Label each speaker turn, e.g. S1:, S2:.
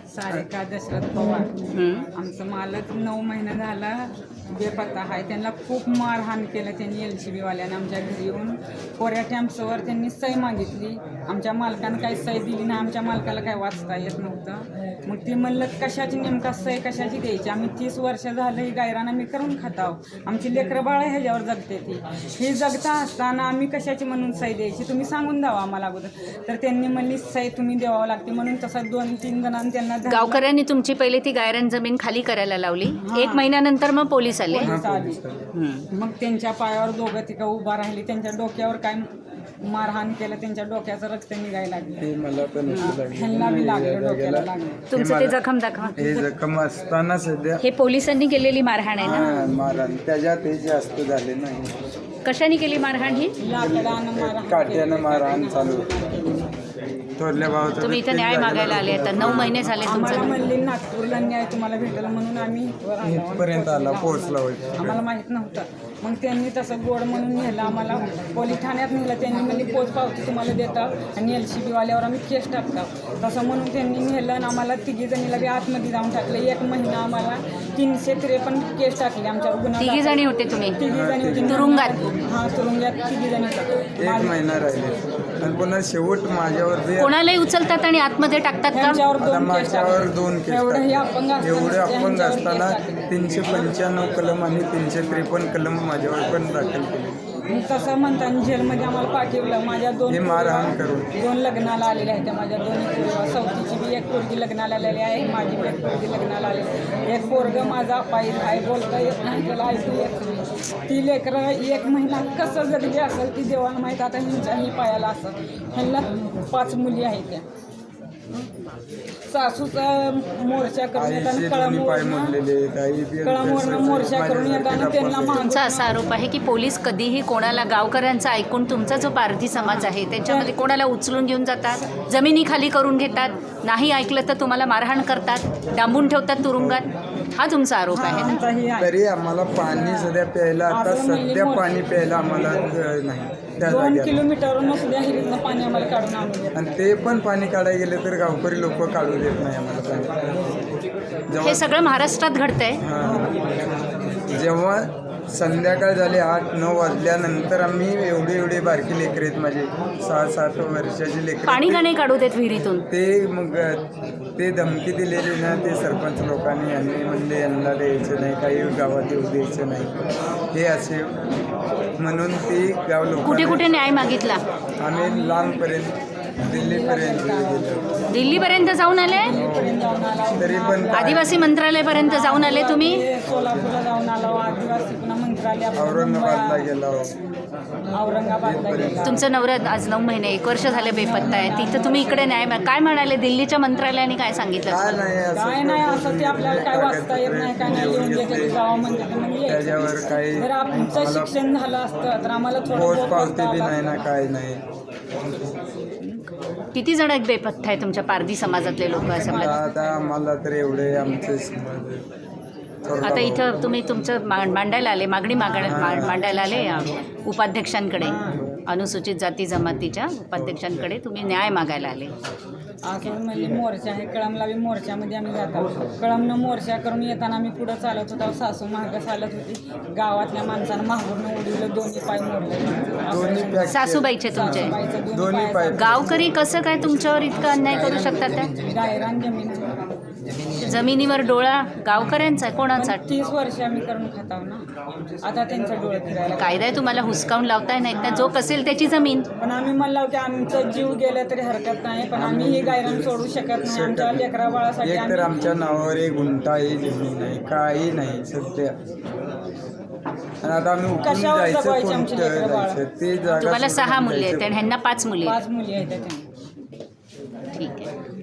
S1: सारिका दशरथ पवार. आमचं मालक 9 महिना झाला बेपत्ता आहे. त्यांना खूप मारहाण केलं त्यांनी. LCB वाल्यानं आमच्या घरी येऊन कोऱ्या टॅम्प्सवर त्यांनी सही मागितली. आमच्या मालकानं काही सही दिली नाही. आमच्या मालकाला काय वाचता येत नव्हतं. मग ती म्हणलं कशाची नेमका सही कशाची द्यायची. आम्ही 30 वर्ष झालं ही गायरानं मी करून खाताव. आमची लेकरं बाळ ह्याच्यावर जगते ती. ही जगता असताना आम्ही कशाची म्हणून सही द्यायची तुम्ही सांगून द्यावा आम्हाला अगोदर. तर त्यांनी म्हणली सही तुम्ही द्यावं लागते म्हणून तसं 2-3 जणांनी त्यांना
S2: गावकऱ्यांनी तुमची पहिले ती गायरान जमीन खाली करायला लावली. 1 महिन्यानंतर मग पोलीस आले.
S1: मग त्यांच्या पायावर दोघं तिघं उभा राहिली. त्यांच्या डोक्यावर काय मारहाण केलं. त्यांच्या डोक्याचं रक्त निघायला लागलं. ह्यांना बी लागलं डोक्याला लागलं.
S2: तुमचं ते जखम दाखवा.
S3: हे जखम असताना सध्या
S2: हे पोलिसांनी केलेली मारहाण आहे ना.
S3: मारहाण त्याच्यात हे जास्त झाले नाही.
S2: कशाने केली मारहाण ही.
S1: लाकडानं मारहाण
S3: काट्यानं मारहाण चालू. थोरल्या भावाचं
S2: तुम्ही इथं न्याय मागायला आले आता 9 महिने झाले
S1: आम्हाला
S2: तुमचं.
S1: म्हणले नागपूरला न्याय तुम्हाला भेटला म्हणून आम्ही
S3: इथपर्यंत आला पोहोचला होता.
S1: आम्हाला माहित नव्हतं. मग त्यांनी तसं गोड म्हणून नेलं आम्हाला. पोलीस ठाण्यात नेलं. त्यांनी म्हणली पोच पावती तुम्हाला देतात आणि LCB वाल्यावर आम्ही केस टाकतात. तसं म्हणून त्यांनी नेलं आणि आम्हाला 3 जणीला बी आतमध्ये जाऊन टाकलं. 1 महिना आम्हाला 353 केस टाकले आमच्यावर. गुन्हा
S2: 3 जणी होते तुम्ही
S1: 3 जणी होती
S2: तुरुंगात.
S1: हां तुरुंगात 3 जणी होत्या.
S3: 1 महिना राहिले आणि पुन्हा शेवट माझ्यावर
S2: कोणालाही उचलतात आणि आतमध्ये टाकतात का.
S1: त्यांच्यावर
S3: आता
S1: 2 केस
S3: माझ्यावर
S1: टाकले.
S3: 2 केस
S1: एवढं हे अपंग
S3: टाकले. एवढे अपंग
S1: त्यांच्यावर
S3: असताना
S1: केस टाकले.
S3: 395 कलम आणि 353 कलम माझ्यावर पण दाखल केले.
S1: मग तसं म्हणताना जेलमध्ये आम्हाला पाठवलं. माझ्या 2
S3: हे मारहाण करून
S1: 2 लग्नाला आलेल्या आहेत. माझ्या 2 चौथीची बी 1 पोरगी लग्नाला आलेली आहे. माझी बी 1 पोरगी लग्नाला आलेली. 1 पोरगं माझा पायी आहे. बोलता येत नाही त्याला ऐकू येत नाही. ती लेकरं 1 महिना कसं जगली असेल ती देवाला माहीत. आता ह्यांच्याही पायाला असं ह्यांना 5 मुली आहेत. त्या सासूचा मोर्चा करून येताना कळमवरनं मोर्चा करून येताना त्यांना
S2: तुमचा असा आरोप आहे की पोलीस कधीही कोणाला गावकऱ्यांचा ऐकून तुमचा जो पारधी समाज आहे त्याच्यामध्ये कोणाला उचलून घेऊन जातात, जमिनी खाली करून घेतात, नाही ऐकलं तर तुम्हाला मारहाण करतात, डांबून ठेवतात तुरुंगात. हा तुमचा आरोप आहे ना.
S3: तरी आम्हाला पाणी सध्या प्यायला आता सध्या पाणी प्यायला आम्हाला नाही.
S1: 2 किलोमीटरवरून सुद्धा हिरीतनं पाणी आम्हाला काढून आणून
S3: आणि ते पण पाणी काढायला गेले तर गावकरी लोक काढू देत नाही आम्हाला पाणी.
S2: हे सगळं महाराष्ट्रात घडतंय.
S3: जेव्हा संध्याकाळ झाली 8-9 वाजल्यानंतर आम्ही एवढे बारकी लेकरं आहेत माझे 6-7 वर्षाची लेकरं.
S2: पाणी का नाही काढू देत विहिरीतून.
S3: ते मग ते धमकी दिलेली ना ते सरपंच लोकांनी. यांनी म्हणले यांना द्यायचं नाही, काही गावात येऊ द्यायचं नाही हे असे म्हणून ते गाव लोक.
S2: कुठे कुठे न्याय मागितला.
S3: आम्ही लांबपर्यंत दिल्लीपर्यंत गेलो.
S2: दिल्लीपर्यंत जाऊन आले.
S3: तरी पण
S2: आदिवासी मंत्रालयापर्यंत जाऊन आले तुम्ही.
S1: सोलापूरला जाऊन आलो. आदिवासी पुन्हा मंत्रालय
S3: औरंगाबादला गेलो.
S1: औरंगाबादला गेलो.
S2: तुमचं नवरा आज 9 महिने 1 वर्ष झाले बेपत्ता आहे. तिथं तुम्ही इकडे न्याय काय म्हणाले. दिल्लीच्या मंत्रालयाने काय सांगितलं.
S1: काय नाही असं ते आपल्याला काय वाचता येत नाही. काय नाही लिहून घेते जावा म्हणजे
S3: त्याच्यावर काही
S1: जर आमचं शिक्षण झालं असतं तर आम्हाला
S3: पोच पावती बी नाही ना काय नाही.
S2: किती जण एक बेपत्ता आहे तुमच्या पारधी समाजातले लोक असं मला.
S3: आता आम्हाला तर एवढे आमचे
S2: आता इथं तुम्ही तुमचं मांडायला आले, मागणी मांडायला आले उपाध्यक्षांकडे, अनुसूचित जाती जमातीच्या उपाध्यक्षांकडे तुम्ही न्याय मागायला आले.
S1: असं म्हणजे मोर्चा आहे. कळमला बी मोर्चामध्ये आम्ही जातो. कळमनं मोर्चा करून येताना आम्ही पुढं चालत होतो. सासू मागं चालत होती. गावातल्या माणसानं मागून उडवलं. 2 पाय मोडले.
S2: सासूबाईचे तुमचे
S3: दोन्ही पाय.
S2: गावकरी कसं काय तुमच्यावर इतका अन्याय करू शकतात. त्या
S1: गायरान जमीन
S2: जमिनीवर डोळा गावकऱ्यांचा कोणाचा.
S1: 30 वर्ष आम्ही करून खाताव ना. आता त्यांचं डोळं फिरायला
S2: कायदा आहे तुम्हाला हुसकावून लावताय नाहीत ना. जो कसेल त्याची जमीन.
S1: पण आम्ही म्हणलो की आमचं जीव गेलं तरी हरकत नाही. पण आम्ही ही गायरान सोडू शकत नाही. आमच्या लेकरा बाळासाठी
S3: एक तर आमच्या नावावर 1 गुंठा ही जमीन नाही, काही नाही सध्या. आणि आता आम्ही उठून
S1: कशावर
S3: जायचं
S1: जगवायची आमची
S3: कोणतं
S1: लेकरं बाळं?
S3: जायचं ते जागा
S2: तुम्हाला 6
S3: सोडून
S2: मुली आहेत
S3: जायचं.
S2: आणि ह्यांना 5 मुली आहेत.
S1: 5 मुली आहेत त्याच्या.
S2: ठीक आहे.